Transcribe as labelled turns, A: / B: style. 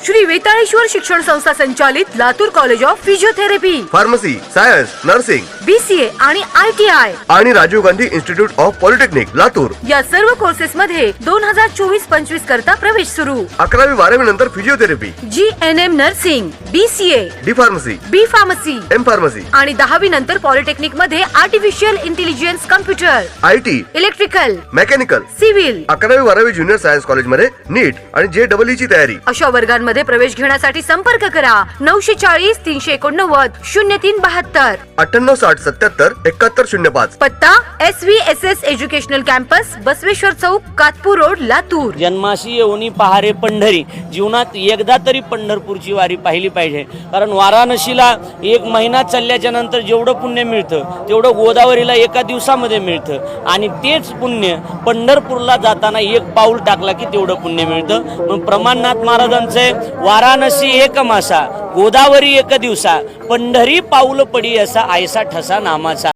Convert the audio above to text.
A: श्री वेताळेश्वर शिक्षण संस्था संचालित Latur college of physiotherapy,
B: pharmacy, science, nursing,
A: BCA आणि ITI
B: आणि Rajiv Gandhi institute of polytechnic Latur
A: या सर्व कोर्सेस मध्ये 2024-25 करता प्रवेश सुरू।
B: 11वी 12वी नंतर physiotherapy,
A: GNM nursing, BCA,
B: D pharmacy,
A: B pharmacy
B: M pharmacy
A: आणि 10वी नंतर पॉलिटेक्निक मध्ये artificial intelligence, computer,
B: IT,
A: electrical,
B: mechanical,
A: civil
B: 11वी 12वी ज्युनियर सायन्स कॉलेज मध्ये नीट आणि JEE ची तयारी।
A: अशा वर्गांमध्ये प्रवेश घेण्यासाठी संपर्क करा 940 389 0372,
B: 98 60 77 71 05।
A: पत्ता SVSS educational campus, Basaveshwar Chowk, Katpur road, Latur.
C: जन्माशी येऊनी पहारे पंढरी, जीवनात एकदा तरी पंढरपूरची वारी पाहिली पाहिजे। कारण वाराणसीला एक महिना चालल्याच्या नंतर जेवढं पुण्य मिळतं तेवढं गोदावरीला एका दिवसामध्ये मिळतं, आणि तेच पुण्य पंढरपूरला जाताना एक पाऊल टाकला की तेवढं पुण्य मिळतं। म्हणून प्रमाणनाथ महाराजांचे वाराणसी एक मासा, गोदावरी एक दिवसा, पंढरी पाऊल पडी असा आयसा ठसा नामाचा।